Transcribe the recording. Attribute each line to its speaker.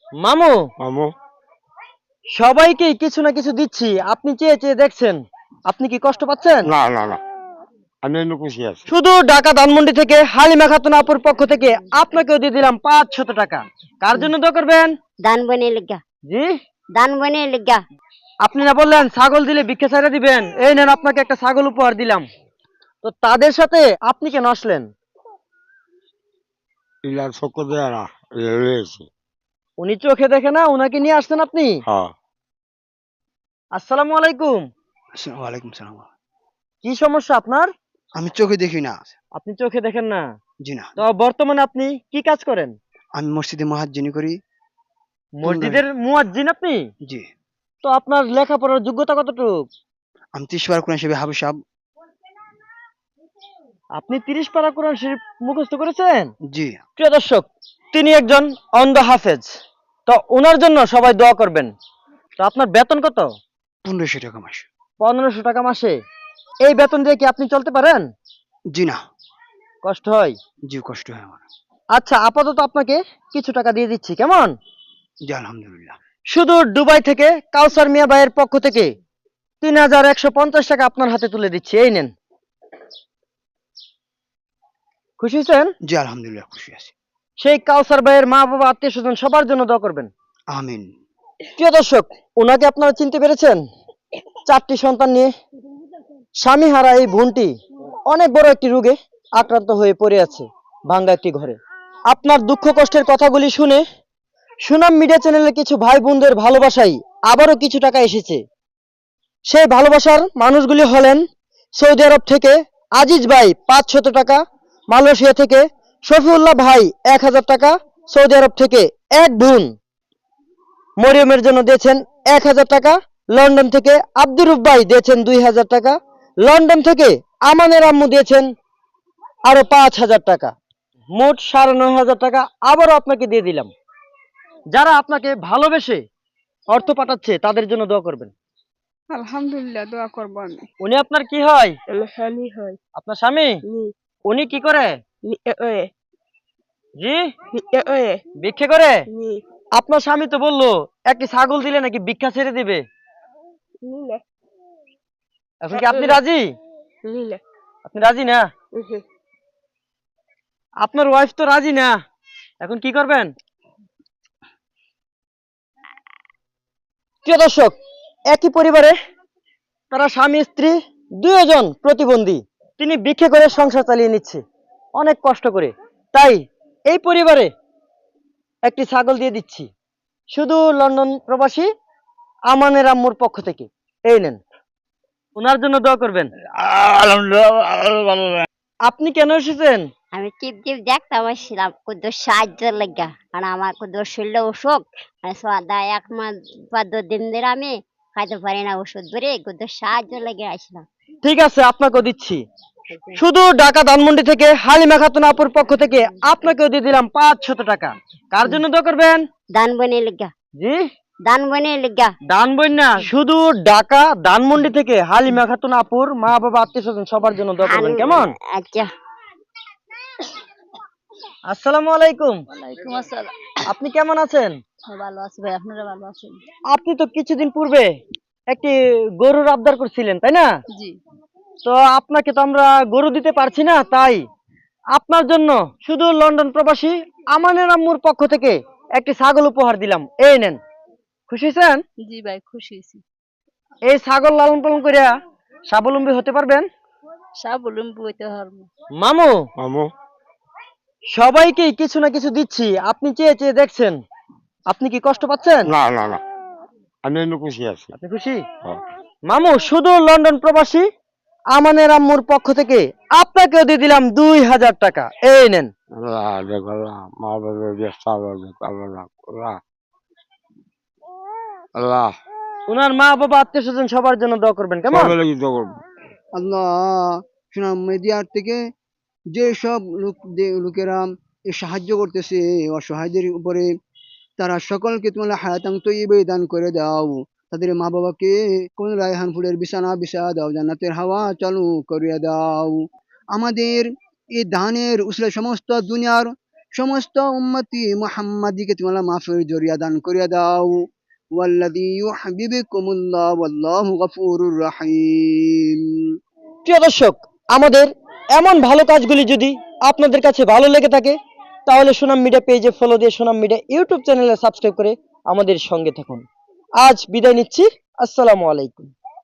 Speaker 1: মামু,
Speaker 2: মামু।
Speaker 1: সবাইকে কিছু না কিছু দিচ্ছি, আপনি চেয়ে চেয়ে দেখছেন, আপনি কি কষ্ট পাচ্ছেন?
Speaker 2: না না না, আমি এমনি খুশি আছি।
Speaker 1: শুধু ঢাকা ধানমন্ডি থেকে হালিমা খাতুন আপুর পক্ষ থেকে আপনাকেও দিয়ে দিলাম 500 টাকা। কার জন্য দোয়া করবেন?
Speaker 3: দান বনে লিগা
Speaker 1: জি,
Speaker 3: দান বনে লিগা
Speaker 1: আপনি না বললেন ছাগল দিলে ভিক্ষা ছাইড়া দিবেন, এই নেন আপনাকে একটা ছাগল উপহার দিলাম। তো তাদের সাথে আপনি কেন আসলেন?
Speaker 2: ইলার চক্কর দেয় না, রয়েছে।
Speaker 1: উনি চোখে দেখে না, উনাকে নিয়ে আসছেন আপনি?
Speaker 2: হ্যাঁ।
Speaker 1: আসসালামু আলাইকুম।
Speaker 4: ওয়ালাইকুম সালাম।
Speaker 1: কি সমস্যা আপনার?
Speaker 4: আমি চোখে দেখি না।
Speaker 1: আপনি চোখে দেখেন না?
Speaker 4: জি না।
Speaker 1: তো বর্তমানে আপনি কি কাজ করেন?
Speaker 4: আমি মসজিদে মুয়াজ্জিনি করি।
Speaker 1: মসজিদের মুয়াজ্জিন আপনি?
Speaker 4: জি।
Speaker 1: তো আপনার লেখাপড়ার যোগ্যতা কতটুক?
Speaker 4: আমি 30 বার কোরআন শরীফ হাফেজ সাহেব।
Speaker 1: আপনি 30 পারা কোরআন শরীফ মুখস্থ করেছেন?
Speaker 4: জি।
Speaker 1: প্রিয় দর্শক, তিনি একজন অন্ধ হাফেজ। তো ওনার জন্য সবাই দোয়া করবেন। তো আপনার বেতন কত?
Speaker 4: 1500 টাকা মাস।
Speaker 1: 1500 টাকা মাসে। এই বেতন দিয়ে কি আপনি চলতে পারেন?
Speaker 4: জি না।
Speaker 1: কষ্ট হয়?
Speaker 4: জি, কষ্ট হয় আমার।
Speaker 1: আচ্ছা, আপাতত আপনাকে কিছু টাকা দিয়ে দিচ্ছি, কেমন?
Speaker 4: জি, আলহামদুলিল্লাহ।
Speaker 1: শুধু দুবাই থেকে কাউসার মিয়া ভাইয়ের পক্ষ থেকে 3150 টাকা আপনার হাতে তুলে দিচ্ছি, এই নেন। খুশি হয়েছেন?
Speaker 4: জি, আলহামদুলিল্লাহ খুশি আছি।
Speaker 1: সেই কাউসার ভাইয়ের মা বাবা আত্মীয় স্বজন সবার জন্য দোয়া করবেন।
Speaker 4: আমিন।
Speaker 1: প্রিয় দর্শক, ওনাকে আপনারা চিনতে পেরেছেন? 4টি সন্তান নিয়ে স্বামী হারা এই বোনটি অনেক বড় একটি রোগে আক্রান্ত হয়ে পড়ে আছে ভাঙ্গা একটি ঘরে। আপনার দুঃখ কষ্টের কথাগুলি শুনে সুনাম মিডিয়া চ্যানেলের কিছু ভাই বোনদের ভালোবাসাই আবারও কিছু টাকা এসেছে। সেই ভালোবাসার মানুষগুলি হলেন সৌদি আরব থেকে আজিজ ভাই 500 টাকা, মালয়েশিয়া থেকে শফিউল্লাহ ভাই 1000 টাকা, সৌদি আরব থেকে এক বোন মরিয়মের জন্য দিয়েছেন 1000 টাকা, লন্ডন থেকে আব্দুর রুফ ভাই দিয়েছেন 2000 টাকা, লন্ডন থেকে আমানের আম্মু দিয়েছেন আরো 5000 টাকা, মোট 9500 টাকা আবারও আপনাকে দিয়ে দিলাম। যারা আপনাকে ভালোবেসে অর্থ পাঠাচ্ছে তাদের জন্য দোয়া করবেন।
Speaker 5: আলহামদুলিল্লাহ দোয়া করবো আমি।
Speaker 1: উনি আপনার কি হয়?
Speaker 5: স্বামী হয়।
Speaker 1: আপনার স্বামী? উনি কি করে? জি, ভিক্ষে করে? আপনার স্বামী তো বললো একটি ছাগল দিলে নাকি ভিক্ষা ছেড়ে দিবে। এখন কি আপনি রাজি? আপনি রাজি না? আপনার ওয়াইফ তো রাজি না, এখন কি করবেন? প্রিয় দর্শক, একই পরিবারে তারা স্বামী স্ত্রী দুইজন প্রতিবন্ধী। তিনি ভিক্ষে করে সংসার চালিয়ে নিচ্ছে অনেক কষ্ট করে। তাই এই পরিবারে একটি ছাগল দিয়ে দিচ্ছি, শুধু লন্ডন প্রবাসী আমানের আম্মুর পক্ষ থেকে, এই নেন। ওনার জন্য দোয়া করবেন।
Speaker 2: আলহামদুলিল্লাহ।
Speaker 1: আপনি কেন এসেছেন?
Speaker 3: আমি টিপ টিপ দেখতাম আসছিলাম কুদ্দুর সাহায্য লাগা কারণ আমার কুদ্দুর শরীর অসুখ মানে সদা 1 মাস বা 2 দিন ধরে আমি খাইতে পারি না ওষুধ ধরে কুদ্দুর সাহায্য লেগে আসলাম।
Speaker 1: ঠিক আছে, আপনাকেও দিচ্ছি। শুধু ঢাকা ধানমন্ডি থেকে হালিমা খাতুন আপুর পক্ষ থেকে আপনাকেও দিয়ে দিলাম 500 টাকা। কার জন্য দোয়া করবেন?
Speaker 3: দান বনে লিগা
Speaker 1: জি,
Speaker 3: দান বনে লিগা
Speaker 1: দান বই না, শুধু ঢাকা ধানমন্ডি থেকে হালিমা খাতুন আপুর মা বাবা আত্মীয় স্বজন সবার জন্য দোয়া করবেন, কেমন?
Speaker 3: আচ্ছা।
Speaker 1: আসসালামু আলাইকুম।
Speaker 5: ওয়ালাইকুম আসসালাম।
Speaker 1: আপনি কেমন আছেন?
Speaker 5: ভালো আছি ভাই, আপনারা ভালো আছেন?
Speaker 1: আপনি তো কিছুদিন পূর্বে একটি গরুর আবদার করছিলেন, তাই না?
Speaker 5: জি।
Speaker 1: তো আপনাকে তো আমরা গরু দিতে পারছি না, তাই আপনার জন্য শুধু লন্ডন প্রবাসী আমানের আম্মুর পক্ষ থেকে একটি ছাগল উপহার দিলাম, এই নেন। খুশি হয়েছেন?
Speaker 5: জি ভাই খুশি হয়েছি।
Speaker 1: এই ছাগল লালন পালন করে স্বাবলম্বী হতে পারবেন।
Speaker 5: স্বাবলম্বী হইতে পারবো।
Speaker 1: মামু,
Speaker 2: মামু।
Speaker 1: সবাইকে কিছু না কিছু দিচ্ছি, আপনি চেয়ে চেয়ে দেখছেন, আপনি কি কষ্ট পাচ্ছেন?
Speaker 2: না না না, আমি এমনি খুশি আছি।
Speaker 1: আপনি খুশি?
Speaker 2: হ্যাঁ।
Speaker 1: মামু, শুধু লন্ডন প্রবাসী আমানের আম্মুর পক্ষ থেকে আপনাকেও দিয়ে দিলাম 2000 টাকা, এই নেন।
Speaker 2: আল্লাহ দেখো, মা বাবার ব্যস্ত আল্লাহ আল্লাহ
Speaker 1: ওনার মা বাবা আত্মীয় স্বজন সবার জন্য দোয়া করবেন, কেমন?
Speaker 2: সবাই লাগি তো করবো।
Speaker 4: আল্লাহ, সুনাম মিডিয়ার থেকে যে সব লোকেরা এই সাহায্য করতেছে অসহায়দের উপরে, তারা সকলকে তোমরা হায়াতাং তৈয়বে দান করে দাও। তাদের মা বাবাকে কোন রায়হান ফুলের বিছানা বিছা দাও, জান্নাতের হাওয়া চালু করিয়ে দাও। আমাদের এই দানের উসলে সমস্ত দুনিয়ার সমস্ত উম্মতি মুহাম্মাদিকে তুমি আল্লাহ মাফের জরিয়া দান করিয়া দাও ওয়াল্লাযী ইউহিব্বুকুমুল্লাহ ওয়াল্লাহু গফুরুর রহিম।
Speaker 1: প্রিয় দর্শক, আমাদের এমন ভালো কাজগুলি যদি আপনাদের কাছে ভালো লেগে থাকে তাহলে সুনাম মিডিয়া পেজে ফলো দিয়ে সুনাম মিডিয়া ইউটিউব চ্যানেলে সাবস্ক্রাইব করে আমাদের সঙ্গে থাকুন। আজ বিদায় নিচ্ছি। আসসালামু আলাইকুম।